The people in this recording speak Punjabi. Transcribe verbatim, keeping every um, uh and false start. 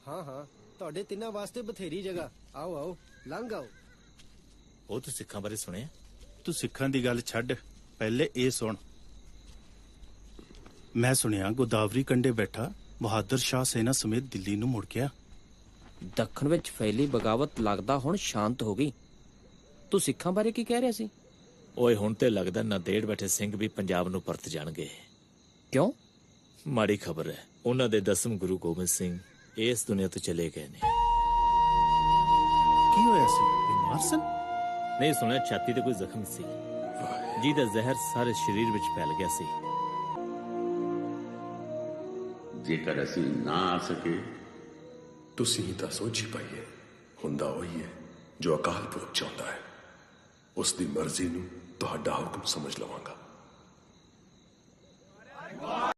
हाँ हाँ ਤੁਹਾਡੇ ਤਿੰਨਾਂ ਵਾਸਤੇ ਬਥੇਰੀ ਜਗ੍ਹਾ। ਆਓ ਆਓ ਲੰਘ ਆਓ। ਉਹ ਤੂੰ ਸਿੱਖਾਂ ਬਾਰੇ ਸੁਣਿਆ? ਤੂੰ ਸਿੱਖਾਂ ਦੀ ਗੱਲ ਛੱਡ, ਪਹਿਲੇ ਇਹ ਸੁਣ। ਮੈਂ ਸੁਣਿਆ ਗੋਦਾਵਰੀ ਕੰਢੇ ਬੈਠਾ ਬਹਾਦਰ ਸ਼ਾਹ ਸੈਨਾ ਸਮੇਤ ਦਿੱਲੀ ਨੂੰ ਮੁੜ ਗਿਆ। ਦੱਖਣ ਵਿੱਚ ਫੈਲੀ ਬਗਾਵਤ ਲੱਗਦਾ ਹੁਣ ਸ਼ਾਂਤ ਹੋ ਗਈ। ਤੂੰ ਸਿੱਖਾਂ ਬਾਰੇ ਕੀ ਕਹਿ ਰਿਹਾ ਸੀ? ਓਏ ਹੁਣ ਤੇ ਲੱਗਦਾ ਨਾਂਦੇੜ ਬੈਠੇ ਸਿੰਘ ਵੀ ਪੰਜਾਬ ਨੂੰ ਪਰਤ ਜਾਣਗੇ। ਕਿਉਂ? ਮਾੜੀ ਖਬਰ ਹੈ, ਉਹਨਾਂ ਦੇ ਦਸਮ ਗੁਰੂ ਗੋਬਿੰਦ ਸਿੰਘ ਇਸ ਦੁਨੀਆ ਤੋਂ ਚਲੇ ਗਏ ਨੇ। ਕੀ ਹੋਇਆ ਸੀ? ਬਿਮਾਰ ਸਨ? ਨਹੀਂ, ਸੁਣਿਆ ਛਾਤੀ ਤੇ ਕੋਈ ਜ਼ਖਮ ਸੀ ਜਿਹਦਾ ਜ਼ਹਿਰ ਸਾਰੇ ਸਰੀਰ ਵਿੱਚ ਫੈਲ ਗਿਆ ਸੀ। ਜੇਕਰ ਅਸੀਂ ਨਾ ਆ ਸਕੇ, ਤੁਸੀਂ ਤਾਂ ਸੋਚੀ ਪਾਈਏ, ਹੁੰਦਾ ਉਹੀ ਹੈ ਜੋ ਅਕਾਲ ਪੁਰਖ ਚਾਹੁੰਦਾ ਹੈ। ਉਸ ਦੀ ਮਰਜ਼ੀ ਨੂੰ ਤੁਹਾਡਾ ਹੁਕਮ ਸਮਝ ਲਵਾਂਗਾ।